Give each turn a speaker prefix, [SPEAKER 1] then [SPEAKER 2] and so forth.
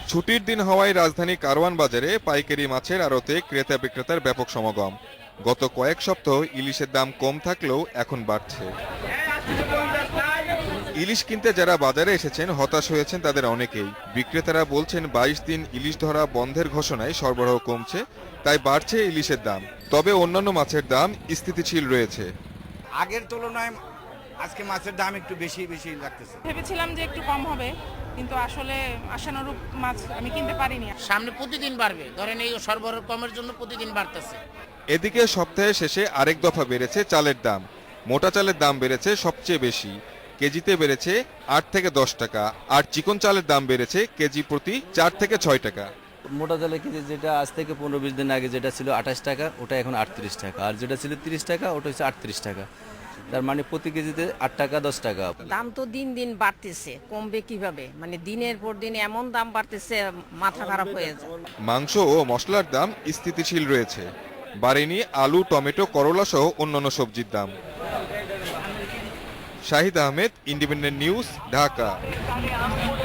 [SPEAKER 1] ছুটির দিন হওয়ায় রাজধানী কারওয়ান বাজারে পাইকারি মাছের আড়তে ক্রেতা বিক্রেতার ব্যাপক সমাগম। গত কয়েক সপ্তাহ ইলিশের দাম কম থাকলেও এখন বাড়ছে। ইলিশ কিনতে যারা বাজারে এসেছেন হতাশ হয়েছেন তাদের অনেকেই। বিক্রেতারা বলছেন 22 দিন ইলিশ ধরা বন্ধের ঘোষণায় সরবরাহ কমছে, তাই বাড়ছে ইলিশের দাম। তবে অন্যান্য মাছের দাম স্থিতিশীল রয়েছে।
[SPEAKER 2] আগের তুলনায় আজকে মাছের দাম একটু বেশি লাগতেছে।
[SPEAKER 3] ভেবেছিলাম যে একটু কম হবে, কিন্তু আসলে আশানুরূপ মাছ আমি কিনতে পারিনি।
[SPEAKER 4] সামনে প্রতিদিন বাড়বে, ধরেন এই সরবরাহ কমের জন্য প্রতিদিন বাড়তেছে।
[SPEAKER 1] এদিকে সপ্তাহের শেষে আরেক দফা বেড়েছে চালের দাম। মোটা চালের দাম বেড়েছে সবচেয়ে বেশি, কেজিতে বেড়েছে 8 থেকে 10 টাকা। আর চিকন চালের দাম বেড়েছে কেজি প্রতি 4 থেকে 6 টাকা।
[SPEAKER 5] মোটা চালের কেজি যেটা আজ থেকে 15-20 দিন আগে যেটা ছিল 28 টাকা, ওটা এখন 38 টাকা। আর যেটা ছিল 30 টাকা, ওটা হচ্ছে 38 টাকা। তার মানে প্রতি কেজিতে 8 টাকা 10 টাকা।
[SPEAKER 6] দাম তো দিন দিন বাড়তেছে, কমবে কিভাবে? মানে দিনের পর দিন এমন দাম বাড়তেছে, মাথা খারাপ হয়ে যায়।
[SPEAKER 1] মাংস ও মশলার দাম স্থিতিশীল রয়েছে, বাড়েনি আলু, টমেটো, করলা সহ অন্যান্য সবজির দাম। Shahid Ahmed, Independent News, Dhaka.